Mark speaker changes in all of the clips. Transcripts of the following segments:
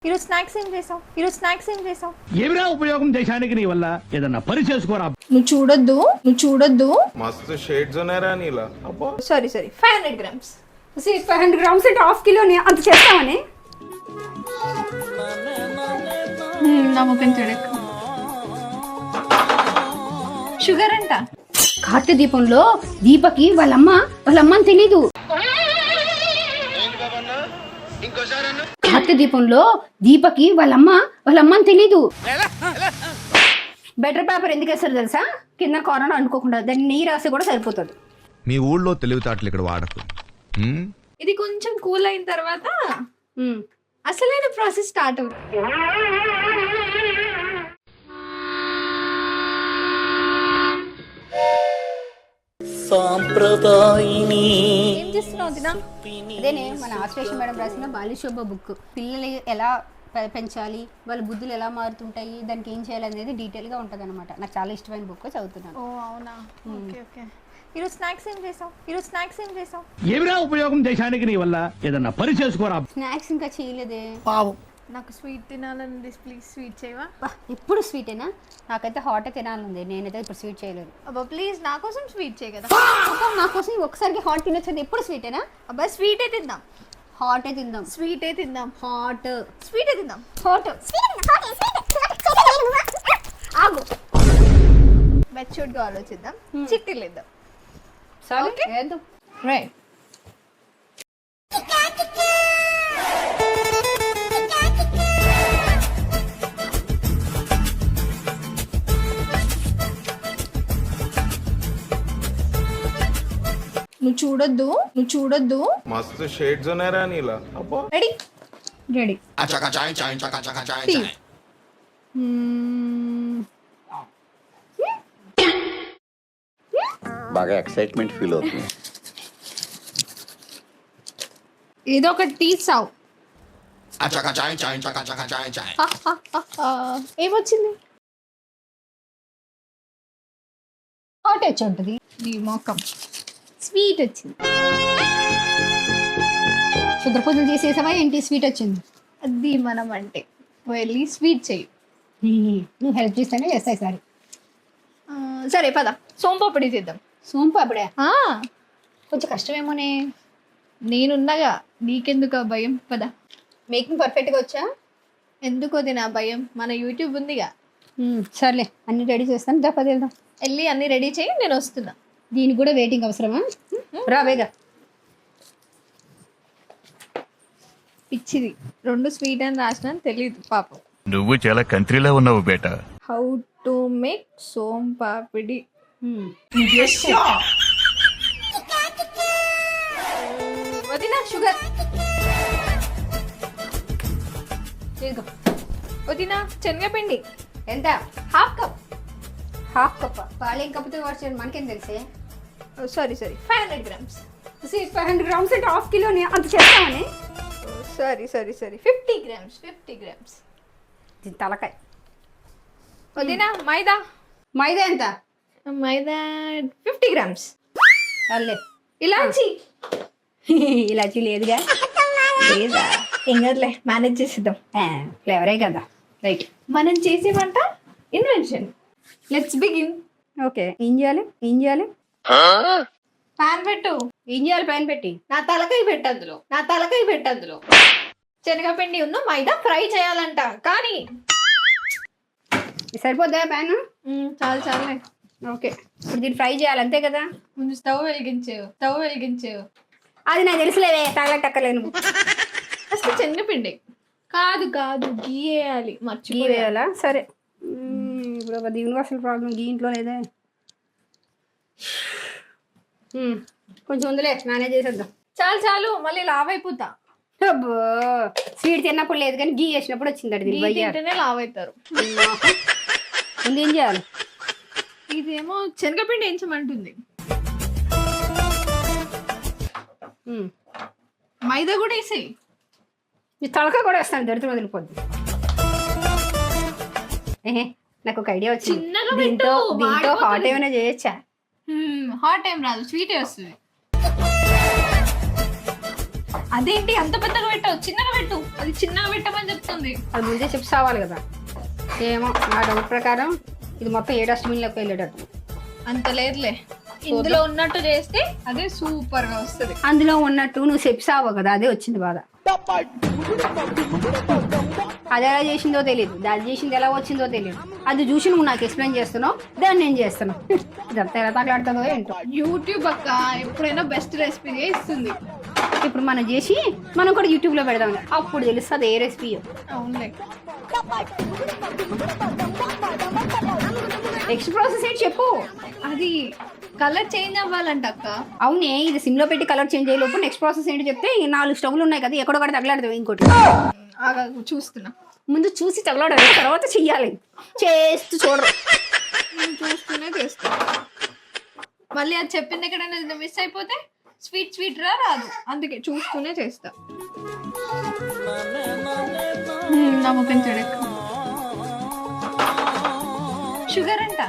Speaker 1: ఈరోజు స్నాక్స్ ఏం చేసావు?
Speaker 2: ఏమిరా ఉపయోగం దేశానికి నీ వల్ల? ఏదన్నా పని చేసుకోరా.
Speaker 1: నువ్వు చూడొద్దు.
Speaker 3: మస్తు షేడ్స్ ఉన్నాయరా నీలా. అబ్బో
Speaker 1: సారీ 500 grams. 500 grams అంటే హాఫ్ కిలోని అంత చేస్తామని నమ్మకం చూడక షుగర్ అంట.
Speaker 4: కార్తీక దీపంలో దీపకి వాళ్ళమ్మని తెలీదు. కార్తీక దీపంలో దీపకి వాళ్ళమ్మని తెలీదు. బెటర్ పేపర్ ఎందుకు వేస్తారు తెలుసా? కింద కార్నర్ అనుకోకుండా దాన్ని నెయ్యి రాసి కూడా సరిపోతుంది.
Speaker 5: మీ ఊళ్ళో తెలివితేటలు ఇక్కడ వాడకు.
Speaker 1: ఇది కొంచెం కూల్ అయిన తర్వాత అసలైన ప్రాసెస్ స్టార్ట్ అవుతుంది. ఏం చేస్తున్నావు దినా?
Speaker 4: అదేనే మన ఆశ్వేష మేడం రాసిన బాల్యశోభ బుక్. పిల్లలు ఎలా పెంచాలి, వాళ్ళ బుద్ధులు ఎలా మారుతుంటాయి, దానికి ఏం చేయాలి అనేది డీటెయిల్ గా ఉంటది అనమాట. నాకు చాలా ఇష్టమైన బుక్, చదువుతున్నాను.
Speaker 1: ఓ అవునా, ఓకే. ఈరోజు స్నాక్స్ ఏం చేసావు?
Speaker 2: ఏమిరా ఉపయోగం దేశానికి నీ వల్ల? ఏదన్నా పని చేసుకోరా.
Speaker 4: స్నాక్స్ ఇంకా చేయలేదే.
Speaker 1: నాకు స్వీట్ తినాలని, ప్లీజ్ స్వీట్ చేయవా?
Speaker 4: ఇప్పుడు స్వీటేనా? నాకైతే హాట్ తినాలంది. నేనైతే ఇప్పుడు స్వీట్ చేయలేదు.
Speaker 1: అబ్బా ప్లీజ్ నా కోసం స్వీట్ చేయ కదా.
Speaker 4: నా కోసం ఒకసారికి హాట్ తినొచ్చింది. ఎప్పుడు స్వీటేనా?
Speaker 1: అబ్బా స్వీటే తిందాం.
Speaker 4: హాటే తిందాం.
Speaker 1: స్వీటే తిందాం.
Speaker 4: హాట్
Speaker 1: స్వీటే తిందాం.
Speaker 4: హాట్
Speaker 1: ఆగు, మెచ్యూర్డ్ గా ఆలోచిద్దాం. చిట్టీలు ఇద్దాం.
Speaker 4: సరే వేద్దాం.
Speaker 1: రైట్. నువ్వు చూడొద్దు.
Speaker 3: మస్తు షేడ్స్ ఉన్నాయరా నీలా. అబ్బో
Speaker 1: రెడీ.
Speaker 6: బాగా ఎక్సైట్మెంట్ ఫీల్ అవుతుంది.
Speaker 1: ఏదో ఒకటి తీసావు. ఏమొచ్చింది?
Speaker 4: హాట్ వచ్చి ఉంటుంది.
Speaker 1: నీ మొక్కం స్వీట్ వచ్చింది.
Speaker 4: శుద్ర పూజలు చేసేసావా ఏంటి? స్వీట్ వచ్చింది.
Speaker 1: అది మనం అంటే వెళ్ళి స్వీట్ చెయ్యి.
Speaker 4: నువ్వు హెల్ప్ చేస్తేనే చేస్తాయి. సరే
Speaker 1: సరే పద సోంపాపిడి చేద్దాం.
Speaker 4: సోంపాపిడే కొంచెం కష్టమేమోనే.
Speaker 1: నేనున్నగా, నీకెందుకు ఆ భయం? పద.
Speaker 4: మేకింగ్ పర్ఫెక్ట్గా వచ్చా?
Speaker 1: ఎందుకు అది నా భయం? మన యూట్యూబ్ ఉందిగా.
Speaker 4: సర్లే అన్ని రెడీ చేస్తాను. పది వెళ్దాం.
Speaker 1: వెళ్ళి అన్ని రెడీ చేయి, నేను వస్తున్నా.
Speaker 4: దీనికి కూడా వెయిటింగ్ అవసరమా? రావేగా.
Speaker 1: పిచ్చిది, 2 స్వీట్ అని రాసిన తెలియదు పాపం.
Speaker 7: నువ్వు చాలా కంట్రీలో ఉన్నావు బేటా.
Speaker 1: How to make soan papdi. వదినా షుగర్. వదినా శనగపిండి
Speaker 4: ఎంత?
Speaker 1: Half cup.
Speaker 4: Half cup. పాలు ఏం కప్పుతో వాడుతారు మనకేం తెలిసే.
Speaker 1: Sorry 500 grams.
Speaker 4: 500 grams అంటే హాఫ్ కిలోని అంత చేస్తామని.
Speaker 1: Sorry 50 grams.
Speaker 4: దీని తలకాయ.
Speaker 1: వదినా మైదా.
Speaker 4: మైదా ఎంత?
Speaker 1: మైదా 50 grams.
Speaker 4: అల్లే.
Speaker 1: ఇలాచి.
Speaker 4: ఇలాచి లేదుగా.
Speaker 1: లేదా ఏం కదలే, మేనేజ్ చేసేద్దాం.
Speaker 4: ఫ్లేవరే కదా. రైట్.
Speaker 1: మనం చేసే వంట ఇన్వెన్షన్. Let's begin.
Speaker 4: ఓకే. ఏం చేయాలి?
Speaker 1: పాన్ పెట్టు.
Speaker 4: ఏం చేయాలి? పైన పెట్టి
Speaker 1: నా తలకాయ పెట్టందులో. శనగపిండి ఉన్న మైదా ఫ్రై చేయాలంట. కానీ
Speaker 4: సరిపోద్దా ప్యాన్?
Speaker 1: చాలే.
Speaker 4: ఓకే. ఇప్పుడు దీన్ని ఫ్రై చేయాలి అంతే కదా.
Speaker 1: ముందు స్టవ్ వెలిగించేవు.
Speaker 4: అది నాకు తెలుసులేవే, తగలటక్కలేను.
Speaker 1: అసలు శనగపిండి కాదు గీ వేయాలి.
Speaker 4: గీ వేయాలా? సరే. ఇప్పుడు యూనివర్సల్ ప్రాబ్లం గీ ఇంట్లో లేదే. కొంచెం ఉందిలే, మేనేజ్ చేసేద్దాం.
Speaker 1: చాలు మళ్ళీ లావ్ అయిపోతా.
Speaker 4: అబ్బో, స్వీట్ తిన్నప్పుడు లేదు కానీ గీ వేసినప్పుడు వచ్చింది.
Speaker 1: తింటేనే లావ్ అవుతారు.
Speaker 4: ముందు ఏం చేయాలి?
Speaker 1: ఇదేమో శనగపిండి వేయించమంటుంది. మైదా కూడా వేసేయి.
Speaker 4: ఈ తలకాయ కూడా వేస్తాను, దరిద్రం వదిలిపోద్ది. నాకు ఒక ఐడియా వచ్చింది. దీంతో హాట్ ఏమైనా చేయొచ్చా?
Speaker 1: హాట్ ఏం రాదు, స్వీటే వస్తుంది. అదేంటి అంత పెద్దగా పెట్టావు, చిన్నగా పెట్టు. అది చిన్నగా పెట్టమని చెప్తుంది.
Speaker 4: అది ముందే చిప్స్ అవ్వాలి కదా. ఏమో నా డౌట్ ప్రకారం ఇది మొత్తం ఏ డస్ట్బిన్లోకి వెళ్ళేటట్టు.
Speaker 1: అంత లేదులే, ఇందులో ఉన్నట్టు చేస్తే అదే సూపర్ గా వస్తుంది.
Speaker 4: అందులో ఉన్నట్టు నువ్వు చిప్స్ అవ్వవు కదా, అదే వచ్చింది బాధ. అది ఎలా చేసిందో తెలియదు, దాన్ని చేసింది ఎలా వచ్చిందో తెలియదు. అది చూసి నువ్వు నాకు ఎక్స్ప్లెయిన్ చేస్తున్నావు, దాన్ని నేను చేస్తున్నావు. ఇదంతా ఎలా తగలాడుతుందో ఏంటో.
Speaker 1: యూట్యూబ్ అక్క ఎప్పుడైనా బెస్ట్ రెసిపీ ఇస్తుంది.
Speaker 4: ఇప్పుడు మనం చేసి మనం కూడా యూట్యూబ్లో పెడదాం, అప్పుడు తెలుస్తుంది ఏ రెసిపీ.
Speaker 1: అవునులే.
Speaker 4: నెక్స్ట్ ప్రాసెస్ ఏంటి చెప్పు.
Speaker 1: అది కలర్ చేంజ్ అవ్వాలంట అక్క.
Speaker 4: అవునే, ఇది సిమ్లో పెట్టి కలర్ చేంజ్ అయ్యేలోపు నెక్స్ట్ ప్రాసెస్ ఏంటి చెప్తే, ఈ 4 స్టవ్లు ఉన్నాయి కదా, ఎక్కడో కూడా తగలాడదు. ఇంకోటి
Speaker 1: చూస్తున్నా,
Speaker 4: ముందు చూసి తగలాడాలి, తర్వాత చెయ్యాలి. చేస్తూ చూడరు,
Speaker 1: నేను చూస్తూనే చేస్తా. మళ్ళీ అది చెప్పింది ఎక్కడైనా మిస్ అయిపోతే స్వీట్ రాదు, అందుకే చూస్తూనే చేస్తా. నమ్మకం చెడక షుగర్ అంట.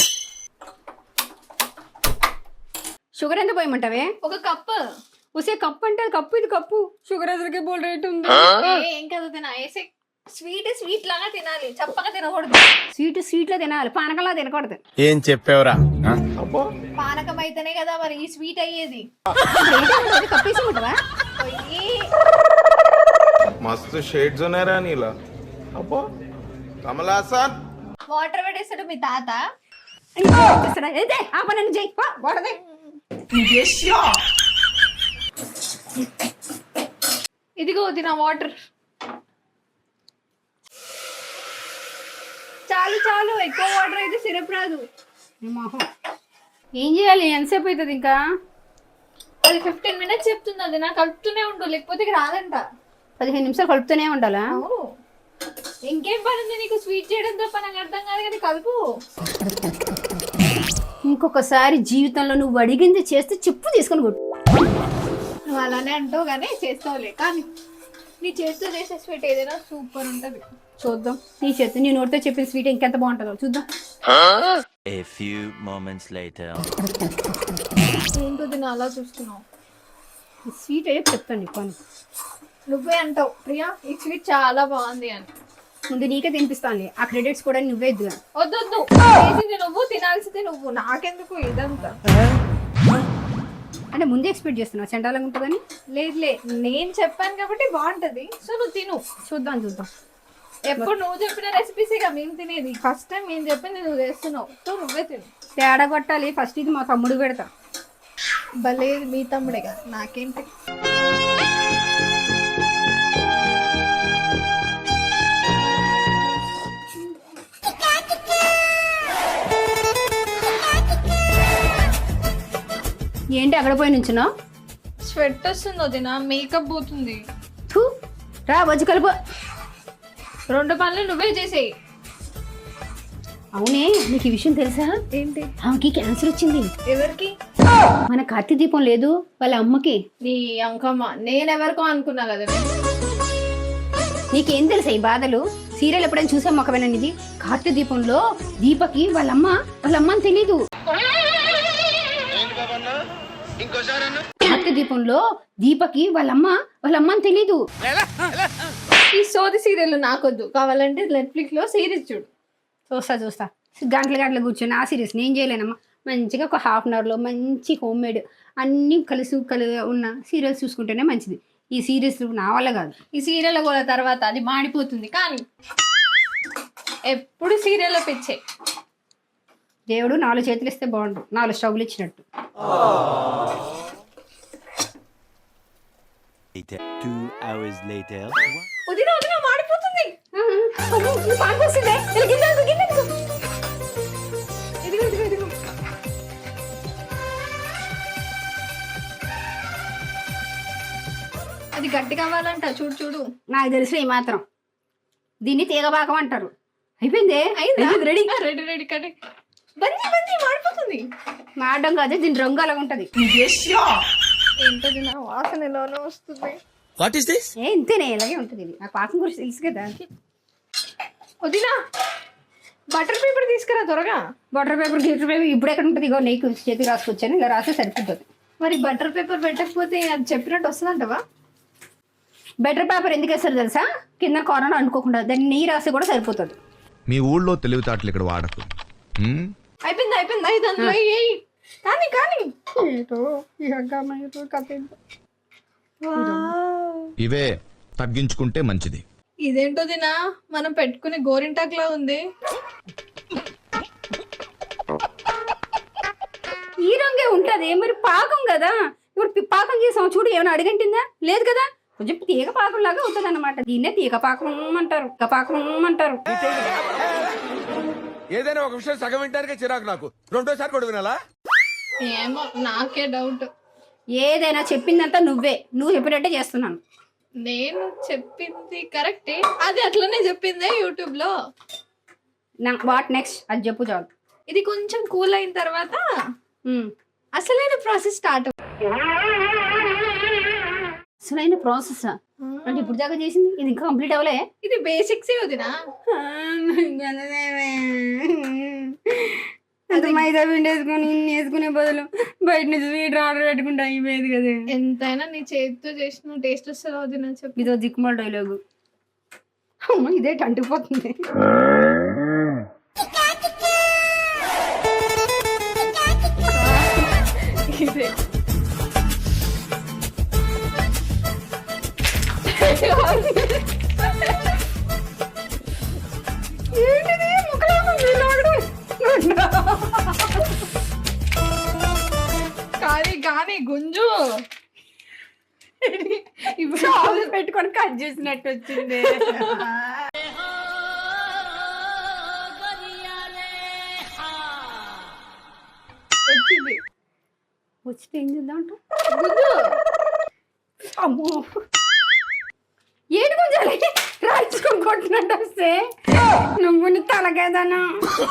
Speaker 4: షుగర్ ఎంత పోయమంటావే?
Speaker 1: ఒక కప్పు.
Speaker 4: ఉసే కప్పు అంటే కప్పు, ఇది కప్పు. షుగర్ ఎదురుకే బోల్ రేట్ ఉంది.
Speaker 1: ఏం కదా తినా, వేసే స్వీట్ లాగా తినాలి, చప్పగా తినకూడదు.
Speaker 4: స్వీట్లో తినాలి, పానకంలా తినకూడదు.
Speaker 6: ఏం చెప్పావురా
Speaker 3: అబ్బా
Speaker 1: పానకం అయితేనే కదా మరి ఈ స్వీట్ అయ్యేది.
Speaker 4: కప్పేసి ఉంటావా?
Speaker 3: मस्त शेड्स ఉన్నాయి రా నీలా. అబ్బా కమల్ హాసన్
Speaker 1: వాటర్ పెట్టేస్తాడు మీ తాత.
Speaker 4: ఆ పని చెయ్యి, వాడదే.
Speaker 1: ఇదిగో తిన వాటర్. చాలు ఎక్కువ వాటర్ అయితే సిరప్ రాదు.
Speaker 4: ఏం చేయాలి, ఎంతసేపు అవుతుంది ఇంకా?
Speaker 1: అది 15 minutes చెప్తుంది. అది నాకు కలుపుతూనే ఉండు, లేకపోతే ఇక రాదంట.
Speaker 4: 15 నిమిషాలు కలుపుతూనే ఉండాలా?
Speaker 1: అవును, ఇంకేం పని ఉంది నీకు? స్వీట్ చేయడం తప్ప నాకు అర్థం కాదు కదా. కలుపు.
Speaker 4: ఇంకొకసారి జీవితంలో నువ్వు అడిగింది చేస్తే చెప్పు తీసుకొని కొట్టు.
Speaker 1: నువ్వు అలానే అంటావు కానీ చేస్తావులే. కానీ నీ చేతితో చేసే స్వీట్ ఏదైనా సూపర్ ఉంటది.
Speaker 4: చూద్దాం, నీ నోటితో చెప్పిన స్వీట్ ఇంకెంత బాగుంటుందో చూద్దాం.
Speaker 8: A few moments later.
Speaker 1: ఏంటో దీన్ని అలా చూస్తున్నావు?
Speaker 4: స్వీట్ అయ్యే చెప్తాను నీకు.
Speaker 1: నువ్వే అంటావు ప్రియా ఈ స్వీట్ చాలా బాగుంది అని.
Speaker 4: ముందు నీకే తినిపిస్తాను, ఆ క్రెడిట్స్ కూడా నువ్వే ఇద్దు.
Speaker 1: వద్దు, చేసింది నువ్వు, తినాల్సింది నువ్వు, నాకెందుకు ఇదంతా?
Speaker 4: అంటే ముందే ఎక్స్పెక్ట్ చేస్తున్నావు చండాలంగా ఉంటుందని?
Speaker 1: లేదులే, నేను చెప్పాను కాబట్టి బాగుంటది, సో నువ్వు తిను.
Speaker 4: చూద్దాం.
Speaker 1: ఎప్పుడు నువ్వు చెప్పిన రెసిపీసేగా మేము తినేది. ఫస్ట్ టైం నేను చెప్పింది నువ్వు చేస్తున్నావు, సో నువ్వే తిను.
Speaker 4: తేడా కొట్టాలి. ఫస్ట్ ఇది మా తమ్ముడు పెడతా.
Speaker 1: భలే మీ తమ్ముడేగా, నాకేంటి.
Speaker 4: ఏంటి అక్కడ పోయి నుంచున్నా?
Speaker 1: స్వెట్ వస్తుంది వదినా, మేకప్ పోతుంది.
Speaker 4: రా వచ్చి కలుపు.
Speaker 1: 2 పనులు నువ్వే చేసేయి.
Speaker 4: అవునే, నీకు ఈ విషయం తెలుసా?
Speaker 1: ఏంటి?
Speaker 4: ఆమెకి క్యాన్సర్ వచ్చింది.
Speaker 1: ఎవరికి?
Speaker 4: మన కార్తీ దీపం లేదు వాళ్ళ అమ్మకి.
Speaker 1: నీ అంకమ్మ. నేనెవరికో అనుకున్నా కదా.
Speaker 4: నీకేం తెలుసా ఈ బాధలు? సీరియల్ ఎప్పుడైనా చూసాం ఒకవేళ ఇది? కార్తీ దీపంలో దీపకి వాళ్ళ అమ్మ అని తెలీదు. కార్తీ దీపంలో దీపకి వాళ్ళ అమ్మ అని తెలీదు.
Speaker 1: ఈ సోది సీరియల్ నాకొద్దు, కావాలంటే నెట్ఫ్లిక్స్ లో సిరీస్ చూడు.
Speaker 4: చూస్తా గంటలు కూర్చొని ఆ సిరీస్ నేను చేయలేనమ్మా. మంచిగా ఒక ½ an hourలో మంచి హోమ్ మేడ్ అన్నీ కలిసి ఉన్న సీరియల్స్ చూసుకుంటేనే మంచిది. ఈ సీరియల్స్ నా వల్ల కాదు.
Speaker 1: ఈ సీరియల్ కూడా తర్వాత అది మాడిపోతుంది. కానీ ఎప్పుడు సీరియల్లో పిచ్చే.
Speaker 4: దేవుడు 4 చేతులు ఇస్తే బాగుండు, 4 స్టవ్లు ఇచ్చినట్టు.
Speaker 8: 2 hours later.
Speaker 1: వదిన మాడిపోతుంది. ఇదిగో. అది గట్టి కావాలంట. చూడు.
Speaker 4: నాకు తెలిసిన ఈ మాత్రం దీన్ని తీగబాకం అంటారు. అయిపోయిందే, రెడీ.
Speaker 1: కట్టి బంది మాడిపోతుంది.
Speaker 4: మాడడం కాదు, దీని రంగు అలాగ ఉంటది.
Speaker 1: ఏంటది, నా వాసన ఎలానో వస్తుంది.
Speaker 4: ఇంతేనే, ఇలాగే ఉంటుంది. ఇది నాకు పాకం గురించి తెలుసు కదా.
Speaker 1: వదినా బటర్ పేపర్ తీసుకురా త్వరగా.
Speaker 4: బటర్ పేపర్ ఇప్పుడు ఎక్కడ ఉంటుంది? ఇగో నీకు చేతికి రాసుకొచ్చాను, ఇలా రాస్తే సరిపోతుంది.
Speaker 1: మరి బటర్ పేపర్ పెట్టకపోతే అది చెప్పినట్టు వస్తుందంటవా?
Speaker 4: బెటర్ పేపర్ ఎందుకు వేస్తారు తెలుసా? కింద కరోనా అనుకోకుండా దాన్ని నీ రాసి కూడా సరిపోతుంది.
Speaker 5: మీ ఊళ్ళో తెలివితేటలు ఇక్కడ వాడకు. ఉమ్?
Speaker 1: అయిపోయింది అయిపోయింది దాంట్లో ఏయ్. కానీ కానీ
Speaker 5: ఇవే తగ్గించుకుంటే మంచిది.
Speaker 1: ఇదేంటో దినా మనం పెట్టుకునే గోరింటాక్లా ఉంది.
Speaker 4: ఈ రంగే ఉంటది మరి పాకం కదా. ఇప్పుడు పాకం చేసాం చూడు, ఏమైనా అడిగంటిందా? లేదు కదా. కొంచెం తీగ పాకం లాగా అవుతుంది అన్నమాట. దీన్నే తీగ పాకం అంటారు.
Speaker 9: ఏదైనా ఒక విషయం సగం వింటానికే చిరాకు నాకు. రెండోసారి కూడా వినాలా?
Speaker 1: ఏమో నాకే డౌట్.
Speaker 4: ఏదైనా చెప్పిందంతా నువ్వు చెప్పినట్టే చేస్తున్నాను.
Speaker 1: నేను చెప్పింది కరెక్టే, అది అట్లనే చెప్పిందే యూట్యూబ్ లో.
Speaker 4: వాట్ నెక్స్ట్ అది చెప్పు చాలు.
Speaker 1: ఇది కొంచెం కూల్ అయిన తర్వాత అసలైన ప్రాసెస్ స్టార్ట్.
Speaker 4: అసలైన ప్రాసెస్ అంటే ఇప్పుడు దాకా చేసింది ఇది ఇంకా కంప్లీట్ అవ్వలే.
Speaker 1: ఇది బేసిక్స్ వదినా.
Speaker 4: అంత మైదా పిండి వేసుకొని ఇన్ని వేసుకునే బదులు బయట నుంచి స్వీట్ ఆర్డర్ పెట్టుకుంటా అయిపోయేది కదా.
Speaker 1: ఎంతైనా నీ చేతితో చేసిన టేస్ట్ వస్తుంది వదినా. చెప్పు.
Speaker 4: ఇదో దిక్కుమాల డైలాగు. అమ్మ ఇదే అంటుకుపోతుంది.
Speaker 1: ఇదే
Speaker 4: ఏంటిది ముక్కలాగా
Speaker 1: కానీ కానీ గుంజు
Speaker 4: ఇప్పుడు పెట్టుకొని కట్ చేసినట్టు వచ్చింది.
Speaker 1: వచ్చింది.
Speaker 4: వచ్చితే ఏం చేద్దాం
Speaker 1: గుంజు.
Speaker 4: అమ్మో ఏడు కొంచెం రాయించుకొని కొట్టినట్టు వస్తే నువ్వు నీ తలకేదానా.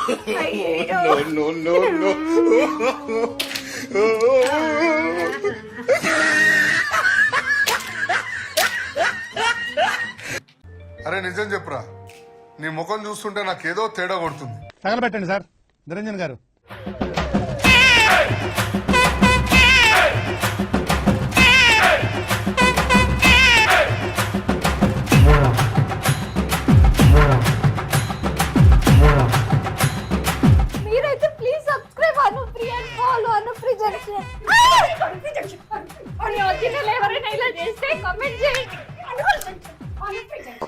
Speaker 10: అరే నిజం చెప్పురా, నీ ముఖం చూస్తుంటే నాకేదో తేడా కొడుతుంది.
Speaker 2: తగలబెట్టండి సార్ నిరంజన్ గారు.
Speaker 1: మీరైతే please subscribe Anupriya and follow Anupriya junction. ఎవరైనా ఇలా చేస్తే కామెంట్ చేయండి.